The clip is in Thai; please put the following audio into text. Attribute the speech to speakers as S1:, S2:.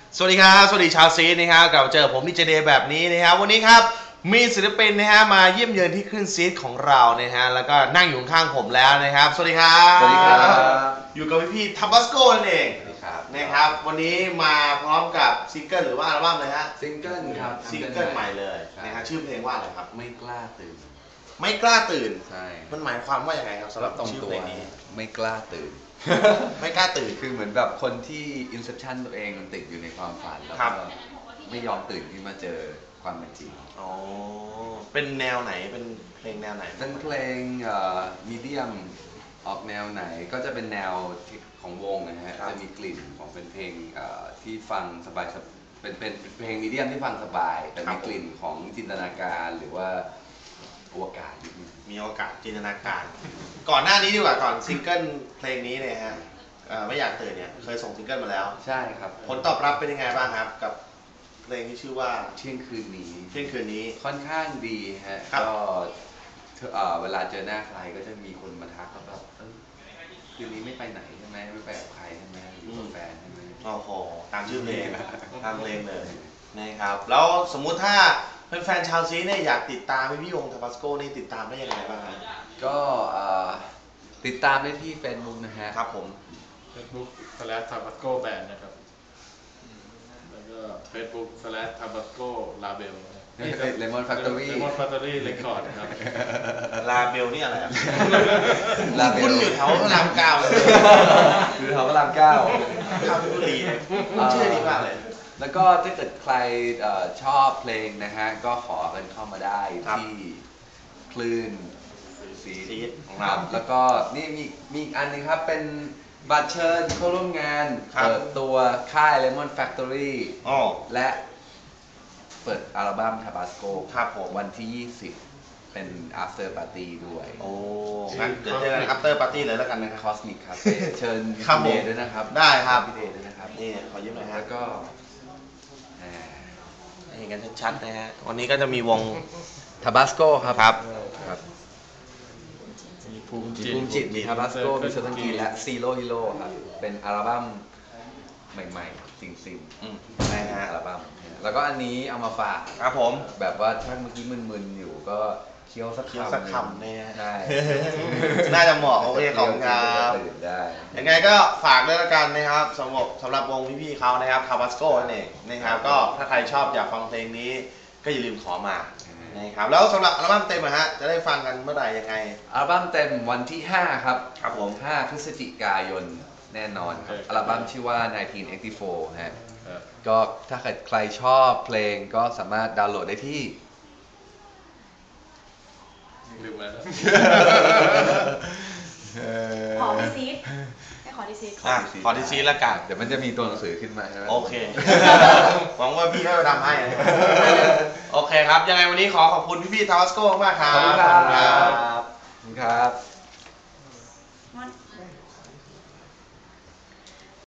S1: สวัสดีครับสวัสดีชาวซีนะครับกลับมาเจอผมดีเจเดย์แบบนี้นะครับวันนี้ครับมีศิลปินนะฮะมาเยี่ยมเยือนที่คลื่นซีดของเรานะฮะแล้วก็นั่งอยู่ข้างผมแล้วนะครับสวัสดีครับ
S2: สวัสดีครับ
S1: อยู่กับพี่ทับบัสโกนั่นเองนะครับวันนี้มาพร้อมกับซิงเกิลหรือว่าอัลบั้มเลยฮะ
S2: ซิงเกิลครับ
S1: ซิงเกิลใหม่เลยนะฮะชื่อเพลงว่าอะไรครับ
S2: ไม่กล้าตื่น
S1: ไม่กล้าตื่น
S2: ใช่
S1: มันหมายความว่าอย่างไรครับสำหรับชื่อเพลงนี้
S2: ไม่กล้าตื่น
S1: ไม่กล้าตื่น
S2: คือเหมือนแบบคนที่อินเซปชันตัวเองมันติดอยู่ในความฝันแล้วก็ไม่ยอมตื่นขึ้นมาเจอความเป็นจริง
S1: อ๋อเป็นแนวไหนเป็นเพลงแนวไหน
S2: เป็นเพลงมีเดียมออกแนวไหนก็จะเป็นแนวของวงนะฮะจะมีกลิ่นของเป็นเพลงที่ฟังสบายเป็นเพลงมีเดียมที่ฟังสบายแต่มีกลิ่นของจินตนาการหรือว่าอวกาศ
S1: มีโอกาสจินตนาการก่อนหน้านี้ดีกว่าก่อนซิงเกิลเพลงนี้เนี่ยฮะไม่อยากตื่นเนี่ยเคยส่งซิงเกิลมาแล้ว
S2: ใช่ครับ
S1: ผลตอบรับเป็นยังไงบ้างครับกับเพลงที่ชื่อว่า
S2: เที่ยงคืนนี้ค่อนข้างดีฮะก็เวลาเจอหน้าใครก็จะมีคนมาทักแบบคืนนี้ไม่ไปไหนใช่ไหมไม่ไปกับใครใช่ไหมอยู่กับแฟนใช่ไหม
S1: โอ้โหตามชื่อเพลงตามเพลงเลยนะครับแล้วสมมุติถ้าแฟนชาวซีเนี่ยอยากติดตามพี่วงทาบาสโกนี่ติดตามได้ยังไงบ้างครับ
S2: ก็ติดตามได้ที่ Facebook นะฮะ
S1: ครับผม
S3: Facebook /Tabasco Band นะครับแล้วก็ Facebook /Tabasco Label
S2: Lemon Factory
S3: Lemon Factory Record ครับ
S1: ลาเบลนี่อะไรคุณอยู่แถวพระรามเก้าเลย
S2: อยู่แถวพระรามเก้า
S1: ข้าวพิบุรีชื่อดีมากเลย
S2: แล้วก็ถ้าเกิดใครชอบเพลงนะฮะก็ขอกันเข้ามาได้ที่คลื่นซีดของเราแล้วก็นี่มีอีกอันนึงครับเป็นบัตรเชิญเข้าร่วมงานเปิดตัวค่าย Lemon Factory และเปิดอัลบั้ม Tabasco
S1: ครับผม
S2: วันที่ 20 เป็น After Party ด้วย
S1: โอ้งั้นเดี๋ยวเจอกัน After Party เลยแล้วกันนะครับ
S2: Cosmic Cafe เชิญพี่เดย์ด้วยนะครับ
S1: ได้ครับ
S2: พี่เดย์ด้วยนะครับ
S1: นี่ขอยืมหน่อยฮะ
S2: แล้วก็
S1: เห็นกันชัดๆนะฮะวันนี้ก็จะมีวง
S2: Tabasco ครับ
S3: มีภูมิ
S2: จิตมี Tabasco มีเซอร์ตันกีและ Zero Hero ครับเป็นอัลบั้มใหม่ๆซิงๆ
S1: นะฮะ
S2: อัลบั้มแล้วก็อันนี้เอามาฝาก
S1: ครับผม
S2: แบบว่าถ้าเมื่อกี้มึนๆอยู่ก็เคี้ยวสัก
S1: คำเนี่ย
S2: ใช่
S1: น่าจะเหมาะโอเคของครับยังไงก็ฝากด้วยละกันนะครับสำหรับวงพี่ๆเขานะครับ Tabasco นั่นเองนะครับก็ถ้าใครชอบอยากฟังเพลงนี้ก็อย่าลืมขอมานะครับแล้วสำหรับอัลบั้มเต็มนะฮะจะได้ฟังกันเมื่อไหร่ยังไง
S2: อัลบั้มเต็มวันที่5ครับ
S1: ครับผม
S2: 5 พฤศจิกายนแน่นอนครับอัลบั้มชื่อว่า 1984 ฮะก็ถ้าใครชอบเพลงก็สามารถดาวน์โหลดได้ที่
S3: ลืมแล้ว
S4: ขอที่ซีดให้ขอที่ซีด
S1: ขอที่ซีดละกัน
S2: เดี๋ยวมันจะมีตัวหนังสือขึ้นมาใช่ไหม
S1: โอเคหวังว่าพี่ให้มาทำให้โอเคครับยังไงวันนี้ขอบคุณพี่ๆ Tabasco มากครับ
S2: ขอบคุณครับ